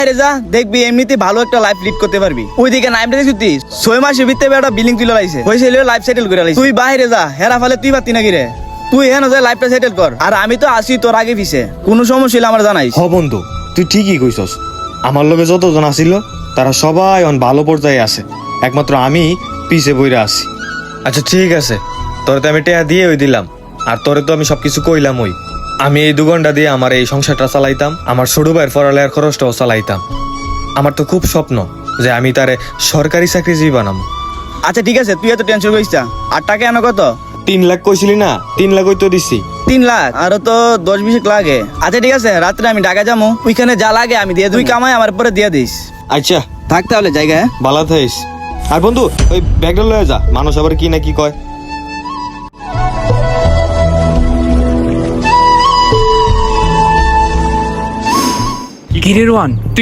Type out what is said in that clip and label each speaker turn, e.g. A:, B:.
A: যা দেখবি এমনিতে ভালো একটা লাইফ লিড করতে পারবি। ওইদিকে নাইমটা দেখছি 6 মাসের ভিতরে একটা বিল্ডিং তুলে লাইছে, হয়েছে লাইফ সেটেল করে লাইছে। তুই বাইরে যা, হেরা ফেলে তুই পারতি নাকি রে? তুই হেন যায় লাইফটা সেটেল কর, আর আমি তো আসি তোর আগে পিছে, কোনো সমস্যা হলে আমার জানাইস।
B: হ বন্ধু, তুই ঠিকই কইছস। আমার লগে যতজন আসিল তারা সবাই অন ভালো পর্যায়ে আছে, একমাত্র আমি পিছে বইরা আছি। আচ্ছা ঠিক আছে, তোরে তো আমি টেয়া দিয়ে ওই দিলাম, আর তোরে তো আমি সবকিছু কইলাম। ওই আমি এই 2 ঘন্টা দিয়ে আমার এই সংসারটা চালাইতাম, আমার ছোট ভাইয়ের পড়ালেখার খরচটাও চালাইতাম। আমার তো খুব স্বপ্ন যে আমি তারে সরকারি চাকরিজীবী বানাবো।
A: আচ্ছা ঠিক আছে, তুই এত টেনশন করিস না। আর টাকা এনে কত?
B: 3 লাখ কইছিলি না, 3 লাখ ওই তো দিছি।
A: 3 লাখ? আরো তো 10-20 লাগে। আচ্ছা ঠিক আছে, রাত্রে আমি ঢাকা যাবো, ওইখানে যা লাগে আমি দিয়ে দেব। তুই কামাই আমার পরে দিয়ে দিস।
B: আচ্ছা
A: থাক তাহলে জায়গায়।
B: ভালো থাইস। আর বন্ধু ওই ব্যাগটা লয়ে যা, মানুষ আবার কি না কি কয়।
C: কিরে রোয়ান,